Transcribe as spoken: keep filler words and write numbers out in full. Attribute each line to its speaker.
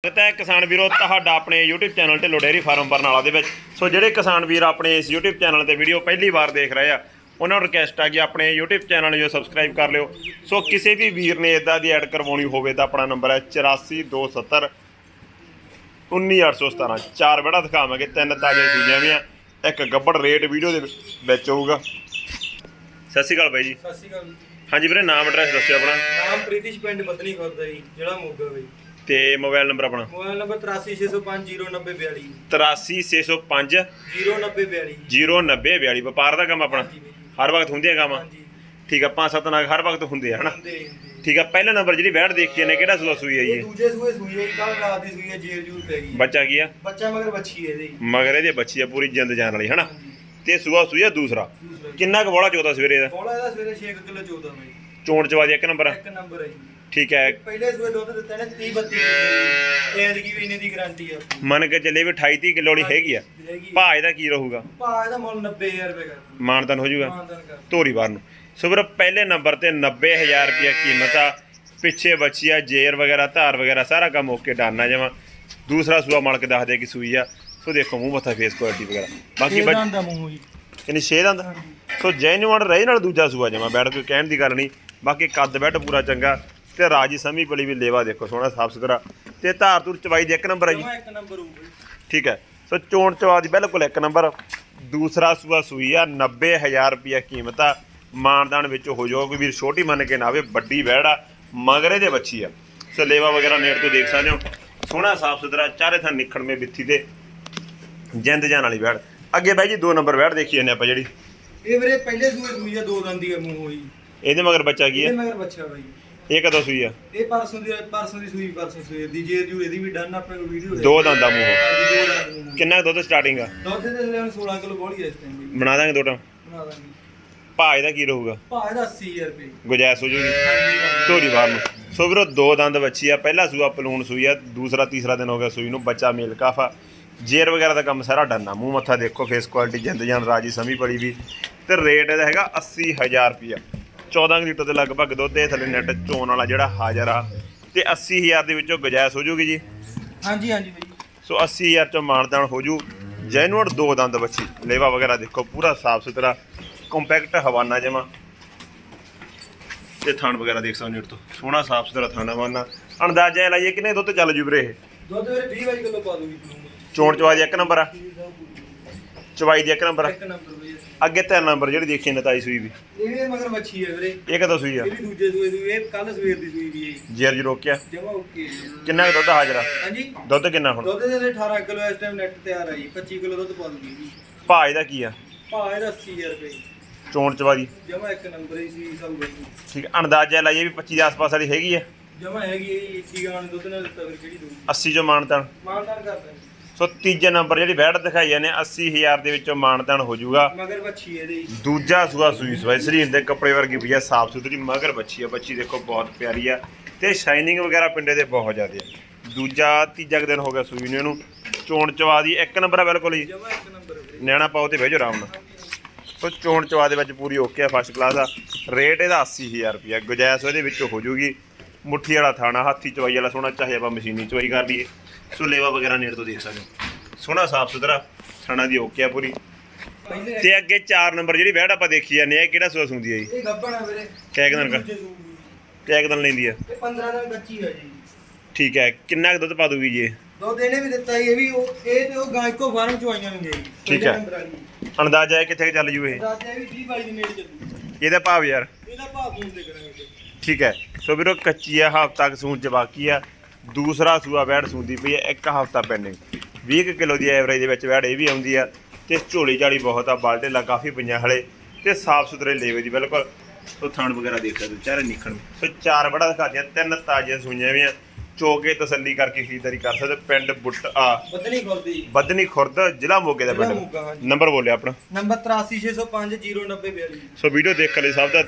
Speaker 1: ਤਾਂ ਕਿਸਾਨ ਵੀਰੋ ਤੁਹਾਡਾ ਆਪਣੇ YouTube channel Dhillon dairy farm Barnala ਦੇ ਵਿੱਚ। ਸੋ ਜਿਹੜੇ ਕਿਸਾਨ ਵੀਰ ਆਪਣੇ ਇਸ YouTube ਚੈਨਲ ਤੇ ਵੀਡੀਓ ਪਹਿਲੀ ਵਾਰ ਦੇਖ ਰਹੇ ਆ ਉਹਨਾਂ ਨੂੰ ਰਿਕਵੈਸਟ ਆ ਕਿ ਆਪਣੇ YouTube ਚੈਨਲ ਨੂੰ ਸਬਸਕ੍ਰਾਈਬ ਕਰ ਲਿਓ। ਸੋ ਕਿਸੇ ਵੀ ਵੀਰ ਨੇ ਇਦਾਂ ਦੀ ਐਡ ਕਰਵਾਉਣੀ ਹੋਵੇ ਤਾਂ ਆਪਣਾ ਨੰਬਰ ਹੈ ਚੁਰਾਸੀ ਦੋ ਸੱਤਰ ਉੱਨੀ ਅੱਠ ਸੌ ਸਤਾਰਾਂ। ਚਾਰ ਬੜਾ ਦਿਖਾਵਾਂਗੇ, ਤਿੰਨ ਤਾਜ਼ੇ ਸੂਈਆਂ ਵੀ ਆ, ਇੱਕ ਗੱਬੜ ਰੇਟ ਵੀਡੀਓ ਦੇ ਵਿੱਚ ਹੋਊਗਾ। ਸਤਿ ਸ਼੍ਰੀ ਅਕਾਲ ਬਾਈ ਜੀ।
Speaker 2: ਸਤਿ ਸ਼੍ਰੀ ਅਕਾਲ।
Speaker 1: ਹਾਂਜੀ ਵੀਰੇ, ਨਾਮ ਐਡਰੈਸ ਦੱਸਿਓ ਆਪਣਾ।
Speaker 2: ਨਾਮ ਪ੍ਰੀਤਿਸ਼, ਪਿੰਡ ਬਦਨੀ ਖੁਰਦ ਜੀ, ਜ਼ਿਲ੍ਹਾ ਮੋਗਾ ਬਾਈ।
Speaker 1: ਤੇ ਮੋਬਾਈਲ ਨੰਬਰ ਆਪਣਾ?
Speaker 2: ਮੋਬਾਈਲ ਨੰਬਰ ਤਰਾਸੀ ਛੇ ਸੌ ਪੰਜ ਜ਼ੀਰੋ ਨੱਬੇ ਬਿਆਲੀ।
Speaker 1: ਤਰਾਸੀ ਛੇ ਸੌ ਪੰਜ
Speaker 2: ਜ਼ੀਰੋ ਨੱਬੇ ਬਿਆਲੀ।
Speaker 1: ਜ਼ੀਰੋ ਨੱਬੇ ਬਿਆਲੀ। ਵਪਾਰ ਦਾ ਕੰਮ ਆਪਣਾ ਹਰ ਵਕਤ ਹੁੰਦੇ ਆ ਕੰਮ? ਠੀਕ ਆ, ਪੰਜ ਸੱਤ ਨਾਗ ਹਰ ਵਕਤ ਹੁੰਦੇ ਆ ਹਨਾ। ਠੀਕ ਆ, ਪਹਿਲਾ ਨੰਬਰ ਜਿਹੜੀ ਵੈੜ ਦੇਖੀ ਨੇ ਕਿਹੜਾ ਸੂਆ ਸੂਈ ਹੈ ਜੀ?
Speaker 2: ਦੂਜੇ ਸੂਏ ਸੂਈ ਹੈ, ਕੱਲ ਰਾਤ ਦੀ ਸੂਈ ਹੈ, ਜੇਰ ਜੂਰ ਪੈ ਗਈ।
Speaker 1: ਬੱਚਾ ਕੀ ਆ?
Speaker 2: ਬੱਚਾ ਮਗਰ ਬੱਚੀ ਹੈ ਇਹਦੀ।
Speaker 1: ਮਗਰ ਇਹਦੇ ਬੱਚੀ ਆ, ਪੂਰੀ ਜਿੰਦ ਜਾਨ ਵਾਲੀ ਹਨਾ। ਤੇ ਸੂਆ ਸੂਈ ਆ ਦੂਸਰਾ। ਕਿੰਨਾ ਕੁ ਬੋਲਾ ਚੋਦਾ ਸਵੇਰੇ ਦਾ?
Speaker 2: ਬੋਲਾ ਇਹਦਾ ਸਵੇਰੇ ਛੇ ਕਿਲੋ ਚੌਦਾ ਬਾਈ।
Speaker 1: ਚੋਣ ਚਵਾ ਦੀ ਇੱਕ ਨੰਬਰ?
Speaker 2: ਇੱਕ ਨੰਬਰ ਹੈ ਜੀ।
Speaker 1: ਠੀਕ ਹੈ।
Speaker 2: ਪਹਿਲੇ ਸੂਏ ਦੁੱਧ ਦਿੱਤਾ ਨੇ ਤੀਹ ਬੱਤੀ ਕਿਲੋ। ਐਤਕੀ ਵੀ ਇਹਨੇ ਦੀ ਗਾਰੰਟੀ ਆ।
Speaker 1: ਮੰਨ ਕੇ ਚੱਲੇ ਵੀ ਅਠਾਈ ਤੀਹ ਕਿਲੋ ਵਾਲੀ ਹੈਗੀ ਆ। ਭਾਅ ਇਹਦਾ ਕੀ ਰਹੂਗਾ?
Speaker 2: ਭਾਅ ਇਹਦਾ ਮੁੱਲ ਨੱਬੇ ਹਜ਼ਾਰ ਰੁਪਏ ਕਰ।
Speaker 1: ਮਾਨਤਾਨ ਹੋ ਜਾਊਗਾ
Speaker 2: ਮਾਨਤਾਨ ਕਰ।
Speaker 1: ਧੋਰੀ ਬਾਰ ਨੂੰ। ਸੋ ਵੀਰ ਪਹਿਲੇ ਨੰਬਰ ਤੇ ਨੱਬੇ ਹਜ਼ਾਰ ਰੁਪਇਆ ਕੀਮਤ ਆ। ਪਿੱਛੇ ਬੱਚੀ ਆ, ਜੇਰ ਵਗੈਰਾ ਧਾਰ ਵਗੈਰਾ ਸਾਰਾ ਕੰਮ ਓਕੇ ਡਨ ਆ ਜਮਾਂ। ਦੂਸਰਾ ਸੂਆ ਮਾਲਕ ਦੱਸਦੇ ਕਿ ਸੂਈ ਆ। ਸੋ ਦੇਖੋ ਮੂੰਹ ਮੱਥਾ ਫੇਸ ਕੁਆਲਿਟੀ ਵਗੈਰਾ ਬਾਕੀ
Speaker 2: ਦਾ ਮੂੰਹ ਜੀ
Speaker 1: ਕਿੰਨੀ ਛੇ ਦੰਦ। ਸੋ ਜੈਨੂਅਨ ਰਹੇ ਨਾਲ ਦੂਜਾ ਸੂਆ ਜਮਾ ਬੈਠ ਕੋਈ ਕਹਿਣ ਦੀ ਗੱਲ ਨਹੀਂ। ਬਾਕੀ ਕੱਦ ਬੈਠ ਪੂਰਾ ਚੰਗਾ ਤੇ ਰਾਜੀ ਸਮੀ ਪਲੀ ਵੀ ਲੇਵਾ ਦੇਖੋ ਸੋਹਣਾ ਸਾਫ ਸੁਥਰਾ ਤੇ ਧਾਰ ਧੂਰ ਚਵਾਈ ਦੀ ਇੱਕ ਨੰਬਰ ਹੈ ਜੀ।
Speaker 2: ਇੱਕ ਨੰਬਰ ਹੋਊ।
Speaker 1: ਠੀਕ ਹੈ। ਸੋ ਚੋਣ ਚਵਾ ਦੀ ਬਿਲਕੁਲ ਇੱਕ ਨੰਬਰ। ਦੂਸਰਾ ਸੂਆ ਸੂਈ ਆ, ਨੱਬੇ ਹਜ਼ਾਰ ਰੁਪਇਆ ਕੀਮਤ ਆ। ਮਾਨਦਾਨ ਵਿੱਚ ਹੋ ਜਾਓ, ਕੋਈ ਵੀਰ ਛੋਟੀ ਮੰਨ ਕੇ ਨਾ ਆਵੇ, ਵੱਡੀ ਵੈੜ ਆ, ਮਗਰੇ ਦੇ ਬੱਚੀ ਆ। ਸੋ ਲੇਵਾ ਵਗੈਰਾ ਨੇੜ ਤੋਂ ਦੇਖ ਸਕਦੇ ਹੋ, ਸੋਹਣਾ ਸਾਫ ਸੁਥਰਾ ਚਾਰੇ ਥਾਂ ਨਿਖੜਵੇਂ ਬਿੱਥੀ ਤੇ ਜਿੰਦ ਜਾਨ ਵਾਲੀ ਵੈੜ। ਅੱਗੇ ਬਾਈ ਜੀ ਦੋ ਨੰਬਰ ਵੈੜ ਦੇਖੀ ਜਾਂਦੇ ਆਪਾਂ ਜਿਹੜੀ।
Speaker 2: ਇਹ ਵੀਰੇ ਪਹਿਲੇ ਸੂਏ ਸੂਈ ਆ, ਦੋ ਦੰਦੀ ਆ ਮੂੰਹ ਹੋਈ।
Speaker 1: ਇਹਦੇ ਮਗਰ ਬੱਚਾ ਕੀ ਹੈ?
Speaker 2: ਇਹਦੇ ਮਗਰ ਬੱਚਾ ਬਾਈ।
Speaker 1: ਇਹ ਕਦੋਂ ਸੂਈ ਆ?
Speaker 2: ਇਹ ਪਰਸੋਂ ਦੀ ਪਰਸੋਂ ਦੀ ਸੂਈ, ਪਰਸੋਂ ਸੂਈ ਦੀ ਜੇਰ ਜੂ ਇਹਦੀ ਵੀ ਡਨ ਆਪਣੇ ਕੋਲ ਵੀਡੀਓ।
Speaker 1: ਦੋ ਦੰਦਾਂ ਮੂੰਹ। ਕਿੰਨਾ ਦੁੱਧ ਸਟਾਰਟਿੰਗ ਆ?
Speaker 2: ਦੁੱਧ ਦੇ ਲੈਣ ਸੋਲਾਂ ਕਿਲੋ ਬੋਲੀ ਇਸ ਟਾਈਮ ਦੀ।
Speaker 1: ਬਣਾ ਦਾਂਗੇ ਦੋ ਟਾਂ।
Speaker 2: ਬਣਾ ਦਾਂਗੇ।
Speaker 1: ਭਾਅ ਇਹਦਾ ਕੀ ਰਹੂਗਾ?
Speaker 2: ਭਾਅ ਇਹਦਾ ਅੱਸੀ ਹਜ਼ਾਰ ਰੁਪਏ
Speaker 1: ਗੁਜਾਇਸ਼ ਹੋ ਜੂਗੀ ਧੋਰੀ ਬਾਹਰ ਨੂੰ। ਸੋ ਵੀਰੋ ਦੋ ਦੰਦ ਬੱਚੀ ਆ, ਪਹਿਲਾ ਸੂਆ ਪਲੂਣ ਸੂਈ ਆ, ਦੂਸਰਾ ਤੀਸਰਾ ਦਿਨ ਹੋ ਗਿਆ ਸੂਈ ਨੂੰ। ਬੱਚਾ ਮੇਲ ਕਾਫਾ, ਜੇਰ ਵਗੈਰਾ ਦਾ ਕੰਮ ਸਾਰਾ ਡੰਨਾ। ਮੂੰਹ ਮੱਥਾ ਦੇਖੋ, ਫੇਸ ਕੁਆਲਿਟੀ ਜਿੰਦ ਜਾਨ ਰਾਜੀ ਸਮੀ ਬੜੀ ਵੀ। ਤੇ ਰੇਟ ਇਹਦਾ ਹੈਗਾ ਅੱਸੀ ਹਜ਼ਾਰ ਰੁਪਇਆ। ਚੌਦਾਂ ਲੀਟਰ ਦੇ ਲਗਭਗ ਦੁੱਧ ਇਹ ਥੱਲੇ ਨੈਟ ਚੋਣ ਵਾਲਾ ਜਿਹੜਾ ਹਾਜ਼ਰ ਆ। ਤੇ ਅੱਸੀ ਹਜ਼ਾਰ ਦੇ ਵਿੱਚੋਂ ਗੁਜਾਇਸ਼ ਹੋ ਜੂਗੀ ਜੀ?
Speaker 2: ਹਾਂਜੀ ਹਾਂਜੀ ਬਾਈ।
Speaker 1: ਸੋ ਅੱਸੀ ਹਜ਼ਾਰ ਚੋਂ ਮਾਨਦਾਨ ਹੋ ਜੂ। ਜੈਨੂਅਨ ਦੋ ਦੰਦ ਬੱਚੀ, ਲੇਵਾ ਵਗੈਰਾ ਦੇਖੋ ਪੂਰਾ ਸਾਫ ਸੁਥਰਾ ਕੰਪੈਕਟ ਹਵਾਨਾ ਜਮਾ। ਤੇ ਥਣ ਵਗੈਰਾ ਦੇਖ ਸਕਦੇ ਹੋ ਤੋਂ ਸੋਹਣਾ ਸਾਫ ਸੁਥਰਾ ਥਾਣਾ ਹਵਾਨਾ। ਅੰਦਾਜ਼ਾ ਲਾਈਏ ਕਿੰਨੇ ਦੁੱਧ ਚੱਲ ਜੂ ਵੀਰੇ ਇਹ?
Speaker 2: ਦੁੱਧ ਵੀਰੇ ਵੀਹ ਬਾਈ ਕਿਲੋ ਪਾ ਦੂਗੀ।
Speaker 1: ਚੋਣ ਚਵਾਈ ਦੀ ਇੱਕ ਨੰਬਰ ਆ, ਚਵਾਈ ਦੀ ਇੱਕ ਨੰਬਰ ਆ।
Speaker 2: ਇੱਕ ਨੰਬਰ ਬਾਈ।
Speaker 1: ਅੱਗੇ ਤਿੰਨ ਨੰਬਰ ਜਿਹੜੀ ਦੇਖੀ ਨਤਾਈ ਸੂਈ ਵੀ।
Speaker 2: ਇਹ ਵੀ ਮਗਰ ਬੱਚੀ ਹੈ ਵੀਰੇ।
Speaker 1: ਇਹ ਕਦੋਂ ਸੂਈ ਆ?
Speaker 2: ਇਹ ਵੀ ਦੂਜੇ ਸੂਏ ਦੀ। ਇਹ ਕੱਲ ਸਵੇਰ ਦੀ ਸੂਈ ਦੀ ਹੈ।
Speaker 1: ਜੇਰ ਜੀ ਰੋਕਿਆ
Speaker 2: ਜਮਾ ਓਕੇ।
Speaker 1: ਕਿੰਨਾ ਦੁੱਧ ਹਾਜ਼ਰ ਆ?
Speaker 2: ਹਾਂਜੀ।
Speaker 1: ਦੁੱਧ ਕਿੰਨਾ ਹੁਣ?
Speaker 2: ਦੁੱਧ ਦੇ ਅਠਾਰਾਂ ਕਿਲੋ ਇਸ ਟਾਈਮ ਨੈਟ ਤਿਆਰ ਹੈ ਜੀ। ਪੱਚੀ ਕਿਲੋ ਦੁੱਧ ਪਾ ਦੂਗੀ ਜੀ।
Speaker 1: ਭਾਅ ਇਹਦਾ ਕੀ ਆ?
Speaker 2: ਭਾਅ ਇਹਦਾ ਅੱਸੀ ਹਜ਼ਾਰ ਰੁਪਏ।
Speaker 1: ਚੋਣ ਚਵਾਈ
Speaker 2: ਜਮਾ ਇੱਕ ਨੰਬਰ ਹੀ ਸੀ ਸਭ ਬਾਈ।
Speaker 1: ਠੀਕ ਆ, ਅੰਦਾਜ਼ਾ ਲਾਈਏ ਵੀ ਪੱਚੀ ਦੇ ਆਸ-ਪਾਸ ਵਾਲੀ ਹੈਗੀ ਆ?
Speaker 2: ਜਮਾ ਹੈਗੀ ਹੈ ਜੀ। ਇੱਕੀ ਗਾਣ ਦੁੱਧ ਨਾਲ ਦਿੱਤਾ ਫਿਰ ਕਿਹੜੀ ਦੂਗੀ?
Speaker 1: ਅੱਸੀ ਚੋਂ ਮਾਨਤਾਨ।
Speaker 2: ਮਾਨਦਾਨ ਕਰਦਾ ਜੀ।
Speaker 1: ਸੋ ਤੀਜੇ ਨੰਬਰ ਜਿਹੜੀ ਵੈੜ ਦਿਖਾਈ ਜਾਂਦੇ ਅੱਸੀ ਹਜ਼ਾਰ ਦੇ ਵਿੱਚੋਂ ਮਾਨਤਾਨ ਹੋ ਜਾਊਗਾ।
Speaker 2: ਮਗਰ ਬੱਚੀ ਇਹਦੀ।
Speaker 1: ਦੂਜਾ ਸੂਆ ਸੂਈ ਸਵਾਈ ਸਰੀਰ ਦੇ ਕੱਪੜੇ ਵਰਗੀ ਪਈ ਆ, ਸਾਫ ਸੁਥਰੀ ਮਗਰ ਬੱਚੀ ਆ। ਬੱਚੀ ਦੇਖੋ ਬਹੁਤ ਪਿਆਰੀ ਆ ਤੇ ਸ਼ਾਈਨਿੰਗ ਵਗੈਰਾ ਪਿੰਡੇ ਦੇ ਬਹੁਤ ਜ਼ਿਆਦਾ ਆ। ਦੂਜਾ ਤੀਜਾ ਦਿਨ ਹੋ ਗਿਆ ਸੂਈ ਨੂੰ ਇਹਨੂੰ। ਚੋਣ ਚਵਾ ਦੀ ਇੱਕ ਨੰਬਰ ਆ ਬਿਲਕੁਲ ਹੀ।
Speaker 2: ਜਮਾ ਇੱਕ ਨੰਬਰ ਵੀਰੇ।
Speaker 1: ਨਿਆਣਾ ਪਾਓ ਤੇ ਬਹਿ ਜਾਓ ਆਰਾਮ ਨਾਲ। ਸੋ ਚੋਣ ਚਵਾ ਦੇ ਵਿੱਚ ਪੂਰੀ ਓਕੇ ਆ, ਫਸਟ ਕਲਾਸ ਆ। ਰੇਟ ਇਹਦਾ ਅੱਸੀ ਹਜ਼ਾਰ ਰੁਪਇਆ। ਗੁਜਾਇਸ਼ ਉਹਦੇ ਵਿੱਚ ਹੋ ਜੂਗੀ। ਮੁੱਠੀ ਵਾਲਾ ਥਾਣਾ, ਹੱਥੀ ਚਵਾਈ ਵਾਲਾ ਸੋਹਣਾ, ਚਾਹੇ ਆਪਾਂ ਮਸ਼ੀਨੀ ਚਵਾਈ ਕਰ ਲਈਏ। ਸੋ ਲੇਵਾ ਵਗੈਰਾ ਨੇੜ ਤੋਂ ਦੇਖ ਸਕਦੇ ਹੋ, ਸੋਹਣਾ ਸਾਫ ਸੁਥਰਾ ਥਾਣਾ ਦੀ ਓਕੇ ਆ ਪੂਰੀ। ਤੇ ਅੱਗੇ ਚਾਰ ਨੰਬਰ ਜਿਹੜੀ ਵੈੜ ਆਪਾਂ ਦੇਖੀ ਜਾਂਦੇ ਆ, ਇਹ ਕਿਹੜਾ ਸੂਆ ਸੁੰਦੀ ਆ ਜੀ?
Speaker 2: ਇਹ ਗੱਬਣ ਆ ਵੀਰੇ।
Speaker 1: ਕਿਆ ਦਿਨ ਕਾ ਕਿਆ ਦਿਨ ਲੈਂਦੀ ਆ?
Speaker 2: ਇਹ ਪੰਦਰਾਂ ਦਿਨ ਕੱਚੀ ਹੈ ਜੀ।
Speaker 1: ਠੀਕ ਹੈ। ਕਿੰਨਾ ਕੁ ਦੁੱਧ ਪਾ ਦੂਗੀ ਜੀ ਇਹ?
Speaker 2: ਦੁੱਧ ਇਹਨੇ ਵੀ ਦਿੱਤਾ ਜੀ। ਇਹ ਵੀ ਉਹ ਇਹ ਤੇ ਉਹ ਗਾਂ ਇੱਕੋ ਫਾਰਮ ਚੋਂ ਆਈਆਂ ਹੋਈਆਂ ਜੀ।
Speaker 1: ਠੀਕ ਹੈ। ਅੰਦਾਜ਼ਾ ਹੈ ਕਿੱਥੇ ਚੱਲ ਜੂ ਇਹ?
Speaker 2: ਦਾਦਾ ਇਹ ਵੀ ਵੀਹ ਬਾਈ ਦੇ ਨੇੜੇ ਚੱਲੂ।
Speaker 1: ਇਹਦਾ ਭਾਵ ਯਾਰ?
Speaker 2: ਇਹਦਾ ਭਾਅ ਫੋਨ ਤੇ ਕਰਾਂਗੇ।
Speaker 1: ਠੀਕ ਹੈ। ਸੋ ਵੀਰੋ ਕੱਚੀ ਆ, ਹਫ਼ਤਾ ਕੁ ਸੂਣ ਚ ਬਾਕੀ ਆ। ਦੂਸਰਾ ਸੂਆ ਵੈੜ ਸੂੰਦੀ ਪਈ ਹੈ, ਇੱਕ ਹਫ਼ਤਾ ਪੈਂਡਿੰਗ। ਵੀਹ ਕਿਲੋ ਦੀ ਐਵਰੇਜ ਦੇ ਵਿੱਚ ਵੈੜ ਇਹ ਵੀ ਆਉਂਦੀ ਆ। ਤੇ ਝੋਲੀ ਝਾੜੀ ਬਹੁਤ ਆ, ਬਾਲਟੇਲਾ ਕਾਫੀ ਪਈਆਂ ਹਲੇ ਤੇ ਸਾਫ ਸੁਥਰੇ ਲੇਵੇ ਦੀ ਬਿਲਕੁਲ। ਸੋ ਥਣ ਵਗੈਰਾ ਦੇਖ ਸਕਦੇ ਚਾਰੇ ਨਿਖਣ। ਸੋ ਚਾਰ ਬੜਾ ਦਿਖਾਦੀਆਂ, ਤਿੰਨ ਤਾਜ਼ੀਆਂ ਸੂਈਆਂ ਵੀ ਆ। ਚੋਕੇ ਤਸੱਲੀ ਕਰਕੇ ਖਰੀਦਦਾਰੀ ਕਰ ਸਕਦੇ। ਪਿੰਡ ਬੁੱਟ ਆ
Speaker 2: ਬਦਨੀ ਖੁਰਦ।
Speaker 1: ਬਦਨੀ ਖੁਰਦ, ਜ਼ਿਲ੍ਹਾ ਮੋਗੇ ਦਾ ਪਿੰਡ। ਨੰਬਰ ਬੋਲਿਆ ਆਪਣਾ?
Speaker 2: ਨੰਬਰ ਤਰਾਸੀ ਛੇ ਸੌ ਪੰਜ ਜ਼ੀਰੋ ਨੱਬੇ ਬਿਆਲੀ।
Speaker 1: ਸੋ ਵੀਡੀਓ ਦੇਖਣ ਲਈ ਸਭ ਦਾ